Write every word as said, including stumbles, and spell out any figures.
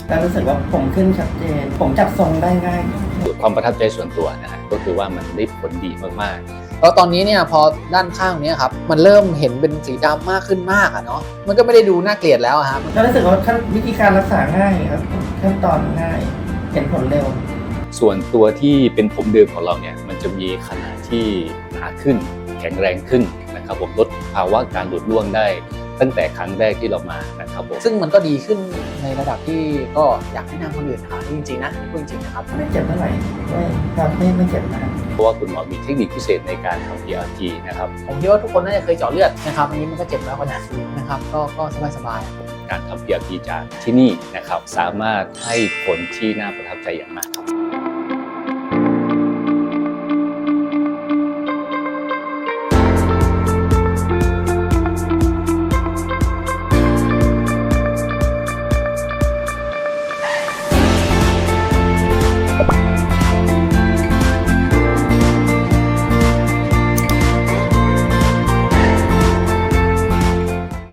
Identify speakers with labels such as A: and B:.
A: แล้วรู้สึกว่าผมขึ้นชัดเจนผมจับทรงได้ง่าย
B: ความประทับใจส่วนตัวนะฮะก็คือว่ามันได้ผลดีมากๆ
C: แล้วตอนนี้เนี่ยพอด้านข้างนี้ครับมันเริ่มเห็นเป็นสีดำมากขึ้นมากอะเนาะมันก็ไม่ได้ดูน่าเกลียดแล้วครับ
A: ก็รู้สึกว่าขั้นวิธีการรักษาง่ายครับขั้นตอนง่ายเห็นผลเร็ว
B: ส่วนตัวที่เป็นผมเดิมของเราเนี่ยมันจะมีขนาดที่หนาขึ้นแข็งแรงขึ้นนะครับผมลดภาวะการหลุดร่วงได้ตั้งแต่ครั้งแรกที่เรามานะครับผม
C: ซึ่งมันก็ดีขึ้นในระดับที่ก็อยากให้นำคนอื่นหาจริงๆนะพูดจริงๆนะครับ
A: ไม่เจ็บเท่าไหร่ไม่ครับไม่ไม่เจ็บนะ
B: เพราะว่าคุณหมอมีเทคนิคพิเศษในการทำ พี อาร์ ที นะครับ
C: ผมคิดว่าทุกคนน่าจะเคยเจาะเลือดนะครับอันนี้มันก็เจ็บแล้วขนาดนี้นะครับก็ก็สบาย
B: ๆการทำ พี อาร์ ที จากที่นี่นะครับสามารถให้ผลที่น่าประทับใจอย่างมากครับ
C: ครับ